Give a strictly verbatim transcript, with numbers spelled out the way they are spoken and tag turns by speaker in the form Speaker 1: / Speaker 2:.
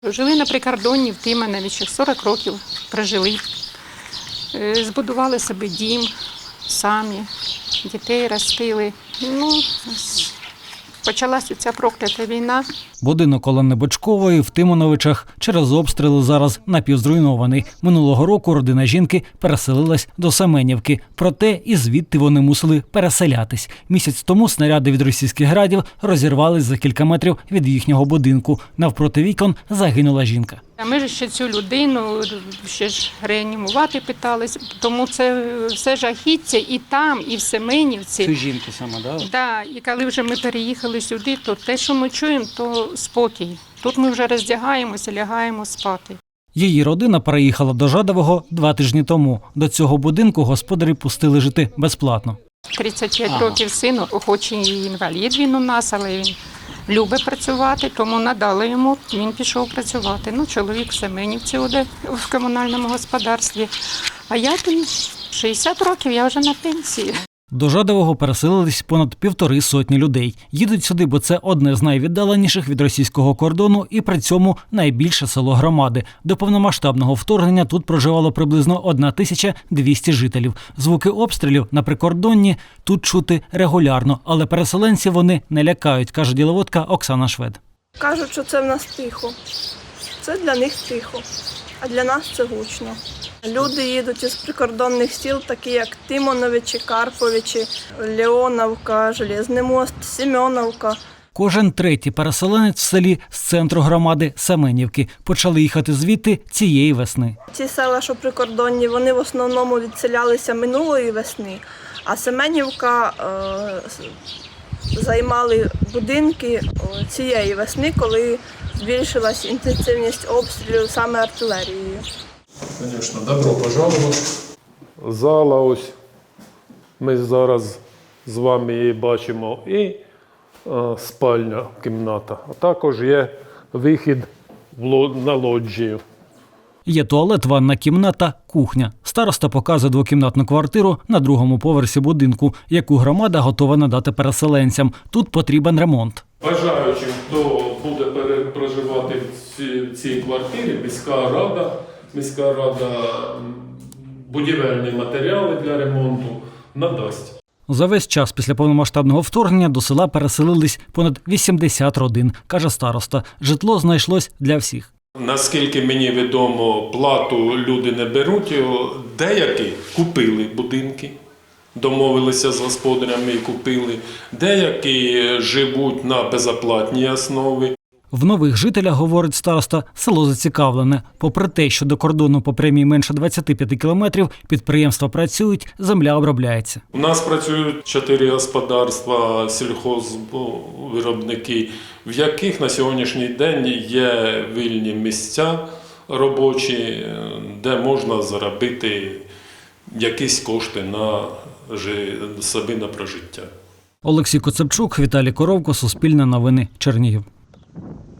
Speaker 1: Жили на прикордонні в Тимановичах, сорок років прожили. Збудували собі дім самі, дітей ростили. Ну, почалася ця проклята війна.
Speaker 2: Будинок Олени Бочкової в Тимановичах через обстріли зараз напівзруйнований. Минулого року родина жінки переселилась до Семенівки. Проте і звідти вони мусили переселятись. Місяць тому снаряди від російських градів розірвались за кілька метрів від їхнього будинку. Навпроти вікон загинула жінка.
Speaker 1: А ми ж ще цю людину ще ж реанімувати питались, тому це все жахіття і там, і в Семенівці.
Speaker 2: Цю жінку саме, так? Да?
Speaker 1: Так, і коли вже ми переїхали сюди, то те, що ми чуємо, то спокій. Тут ми вже роздягаємося, лягаємо спати.
Speaker 2: Її родина переїхала до Жадового два тижні тому. До цього будинку господарі пустили жити безплатно.
Speaker 1: тридцять п'ять
Speaker 2: Ага.
Speaker 1: років сину, хоч і інвалід він у нас, але він любить працювати, тому надали йому, він пішов працювати. Ну, чоловік в Семенівці буде в комунальному господарстві, а я тут шістдесят років, я вже на пенсії.
Speaker 2: До Жадового переселились понад півтори сотні людей. Їдуть сюди, бо це одне з найвіддаленіших від російського кордону і при цьому найбільше село громади. До повномасштабного вторгнення тут проживало приблизно одна тисяча двісті жителів. Звуки обстрілів на прикордонні тут чути регулярно, але переселенців вони не лякають, каже діловодка Оксана Швед.
Speaker 3: Кажуть, що це в нас тихо. Це для них тихо, а для нас це гучно. Люди їдуть із прикордонних сіл, такі як Тимановичі, Карповичі, Леоновка, Железний мост, Семеновка.
Speaker 2: Кожен третій переселенець в селі з центру громади Семенівки. Почали їхати звідти цієї весни.
Speaker 3: Ці села, що прикордонні, вони в основному відселялися минулої весни, а Семенівка е, займали будинки цієї весни, коли збільшилась інтенсивність обстрілів саме артилерією.
Speaker 4: Звісно, добро пожаловать.
Speaker 5: Зала ось, ми зараз з вами її бачимо, і е, спальня, кімната. А також є вихід в ло- на лоджію.
Speaker 2: Є туалет, ванна кімната, кухня. Староста показує двокімнатну квартиру на другому поверсі будинку, яку громада готова надати переселенцям. Тут потрібен ремонт.
Speaker 4: Бажаючим, хто буде пере- проживати в ці- цій квартирі, міська рада, міська рада м, будівельні матеріали для ремонту надасть.
Speaker 2: За весь час після повномасштабного вторгнення до села переселились понад вісімдесят родин, каже староста. Житло знайшлось для всіх.
Speaker 4: Наскільки мені відомо, плату люди не беруть, деякі купили будинки, домовилися з господарями і купили, деякі живуть на безоплатній основі.
Speaker 2: В нових жителях, говорить староста, село зацікавлене. Попри те, що до кордону по прямій менше двадцяти п'яти кілометрів, підприємства працюють, земля обробляється.
Speaker 4: У нас працюють чотири господарства, сільхозвиробники, в яких на сьогоднішній день є вільні місця робочі, де можна заробити якісь кошти на жи- собі на прожиття.
Speaker 2: Олексій Коцепчук, Віталій Коровко, Суспільне новини, Чернігів.